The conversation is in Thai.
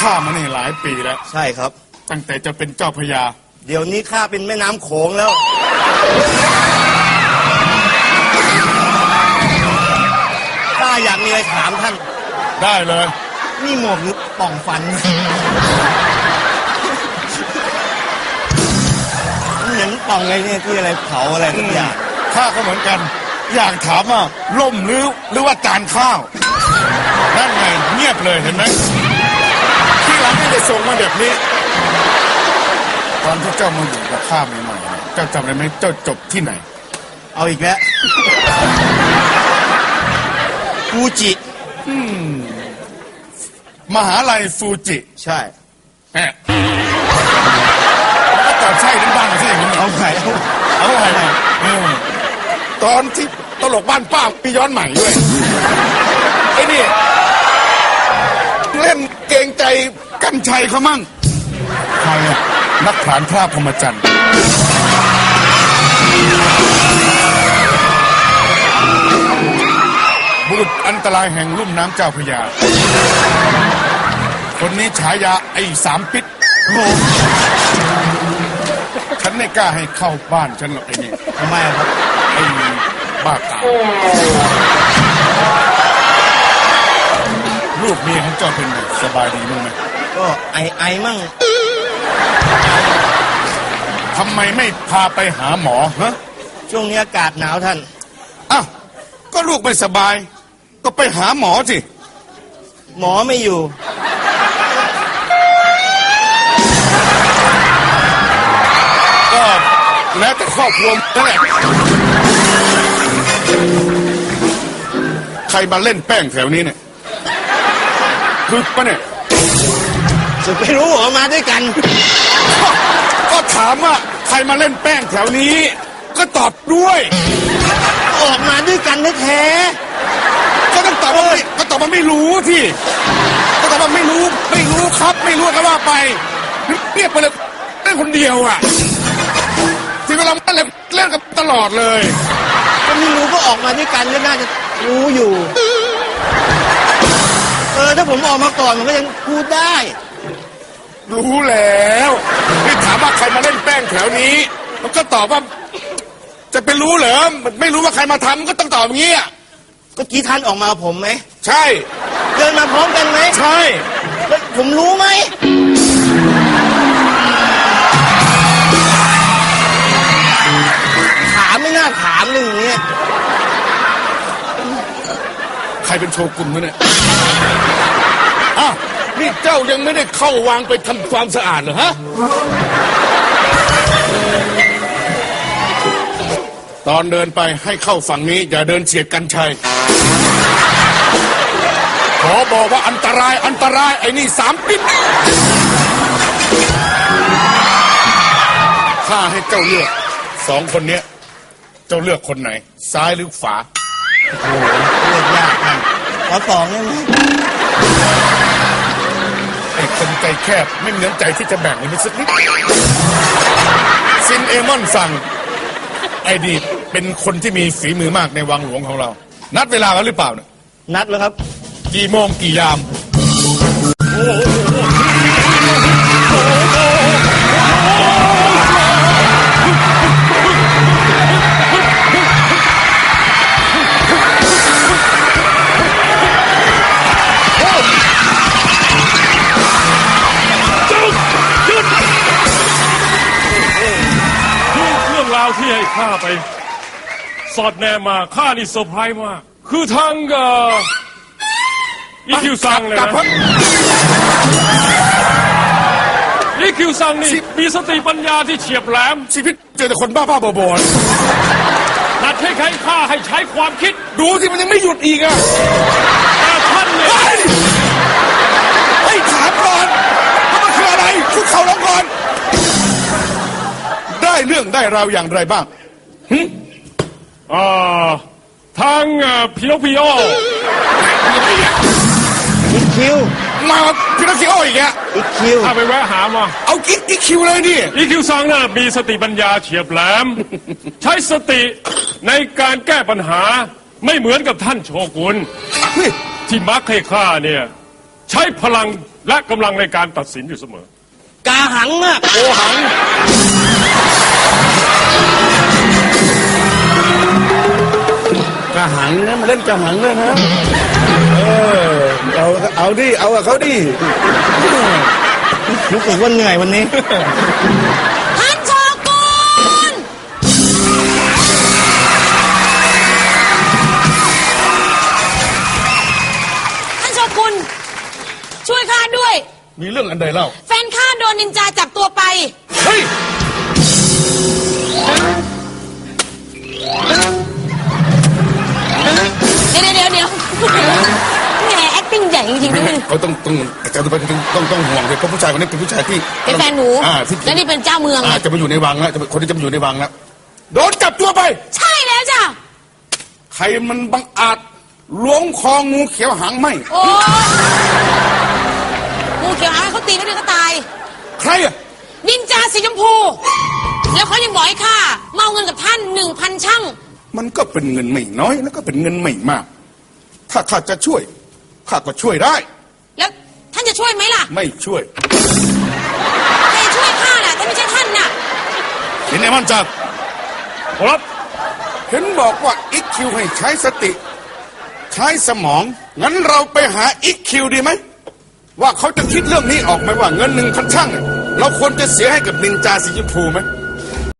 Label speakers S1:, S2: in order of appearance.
S1: ข้ามานี่หลายปีแล้ว
S2: ใช่ครับ
S1: ตั้งแต่จะเป็นเจ้าพญา
S2: เดี๋ยวนี้ข้าเป็นแม่น้ำโขงแล้วข้าอยากมีอะไรถามท่าน
S1: ได้เลย
S2: นี่หมวกหรือป่องฟันเหมือนป่องอะไรเนี่ยที่อะไรเผาอะไรทุกอย่าง
S1: ข้าก็เหมือนกันอยากถามว่าล่มหรือว่าจานข้าวนั่นไงเงียบเลยเห็นไหมที่หลังไม่ได้ส่งมาแบบนี้ตอนที่เจ้ามาอยู่กับข้าใหม่ๆเจ้าจำได้ไหมเจ้าจบที่ไหน
S2: เอาอีกแล้วฟูจิ
S1: มหาลัยฟูจิ
S2: ใช่
S1: แหมแล้วก็ตอบใช่ทั้งบ้านใช่อย่างนี้
S2: เอาไง
S1: ตอนที่ตลกบ้านป้ามีย้อนใหม่ด้วยไอ้นี่เล่นเกรงใจกันชัยเขามั่งใครอะนักผลาญพระพรหมจรรย์บุรุษอันตรายแห่งลุ่มน้ำเจ้าพระยาคนนี้ฉายาไอ้สามปิดฉันไม่กล้าให้เข้าบ้านฉันหรอกไอ้นี่
S2: ทำไมครับ
S1: ไอ้บ้ากามลูกเมียของเจ้าเป็นไงสบายดีมั้งไหม
S2: ก็ไอมั่ง
S1: ทำไมไม่พาไปหาหมอฮะ
S2: ช่วงนี้อากาศหนาวท่าน
S1: อ้าวก็ลูกไม่สบายก็ไปหาหมอสิ
S2: หมอไม่อยู่
S1: ก็แล้วแต่ครอบครัวนั่นแหละใครมาเล่นแป้งแถวนี้เนี่ยคือปะเนี่ย
S2: จะไปรู้เหรอมาด้วยกัน
S1: ก็ถามว่าใครมาเล่นแป้งแถวนี้ก็ตอบด้วย
S2: ออกมาด้วยกันแท้
S1: ก็ต้องตอบว่าก็ตอบว่าไม่รู้ที่ก็ตอบว่าไม่รู้ครับไม่รู้ก็ว่าไปเรียกไปเลยเล่นคนเดียวอ่ะที่เวลาเล่นกันตลอดเลย
S2: ก็ไม่รู้ก็ออกมาด้วยกันก็น่าจะรู้อยู่ถ้าผมออกมาก่อนผมก็ยังพูดได้
S1: รู้แล้วที่ถามว่าใครมาเล่นแป้งแถวนี้มันก็ตอบว่าจะเป็นรู้เหรอไม่รู้ว่าใครมาทำก็ต้องตอบอย่างนี้
S2: ก็กี้ท่านออกมาผมไหม
S1: ใช่
S2: เดินมาพร้อมกันไหม
S1: ใช่
S2: แล้วผมรู้ไหมถามไม่น่าถามเลยอย่างเงี้ย
S1: ใครเป็นโชกุนวะเนี่ยอ้าวนี่เจ้ายังไม่ได้เข้าวางไปทำความสะอาดเหรอฮะตอนเดินไปให้เข้าฝั่งนี้อย่าเดินเฉียดกันชัยขอบอกว่าอันตรายไอ้นี่สามปิดข้าให้เจ้าเลือกสองคนนี้เจ้าเลือกคนไหนซ้ายหรือขวา
S2: โอ้โหเลือกยากมากขอสองได้ไหม
S1: ไอ้คนใจแคบไม่มีน้ำใจที่จะแบ่งเลยสักนิดซินเอมอนสั่งไอ้ดีเป็นคนที่มีฝีมือมากในวังหลวงของเรานัดเวลาแล้วหรือเปล่าเนี่ย
S2: นัดแล้วครับ
S1: กี่โมงกี่ยาม
S3: ที่ให้ข้าไปสอดแนมมาข้านี่เซอร์ไพรส์มากคือทางอีคิวซังเลยนะอีคิวซังนี่มีสติปัญญาที่เฉียบแหลม
S1: ชีวิตเจอแต่คนบ้าๆบอ
S3: ๆนัดให้ข้าให้ใช้ความคิด
S1: ดูที่มันยังไม่หยุดอีกอ่ะ
S3: แต่ท่านเนี่ย
S1: ให้ถามก่อนว่ามันคืออะไรคุกเข่าลงก่อนได้เรื่องได้ราวอย่างไรบ้าง
S3: ทางพิโนคิโอ
S2: อีคิว
S1: มาพิโนคิโออีกอะ
S2: อีคิว
S3: ถ้าไปแวะหามา
S1: เอาอีคิวเลยดิ
S3: อีคิวซังน่ะมีสติปัญญาเฉียบแหลมใช้สติในการแก้ปัญหาไม่เหมือนกับท่านโชกุนที่มักให้ข้าเนี่ยใช้พลังและกำลังในการตัดสินอยู่เสมอ
S2: กาหังอะ
S1: โอหัง
S2: กาหังนะมาเล่นกาหังเลยนะเอาดิเอากับเขาดิรู้สึกว่าเหนื่อยวันนี้
S4: ท่านโชกุนท่านโชกุนช่วยข้าด้วย
S1: มีเรื่องอันใดเล่า
S4: แฟนข้าโดนนินจาจับตัวไป
S1: เฮ้ย
S4: เดี๋ยวแหม acting ใหญ่จริงๆด้วย
S1: เขาต้องอาจารย์ต้องห่วงเลยเพราะผู้ชายคนนี้เป็นผู้ชายที่
S4: เป็นแฟนหนู
S1: ที่
S4: แล้วนี่เป็นเจ้าเมือง
S1: จะมาอยู่ในวังแล้วคนที่จะมาอยู่ในวังแล้วโดนจับตัวไป
S4: ใช่แล้วจ้ะ
S1: ใครมันบังอาจล้วงคองูเขียวหางไหม
S4: โอ้งูเขียวหางเขาตีไม่ได้ก็ตาย
S1: ใครอะ
S4: นินจาสีชมพู แล้วเขายังบอกให้ข้าเมาเงินกับท่าน 1,000 ช่าง
S1: มันก็เป็นเงินไม่น้อยแล้วก็เป็นเงินไม่มาก ถ้าข้าจะช่วยข้าก็ช่วยได้
S4: แล้วท่านจะช่วยไหมล่ะ
S1: ไม่ช่วย
S4: ใครช่วยข้าน่ะถ้าไม่ใช่ท่านน่ะ
S1: เห็นไหมมันจับ
S3: ครับ
S1: เห็นบอกว่าอีคิวให้ใช้สติ ใช้สมองงั้นเราไปหาอีคิวดีไหมว่าเขาจะคิดเรื่องนี้ออกไหมว่าเงิน1,000 ช่างเนี่ยเราควรจะเสียให้กับนินจาสีชมพูไหม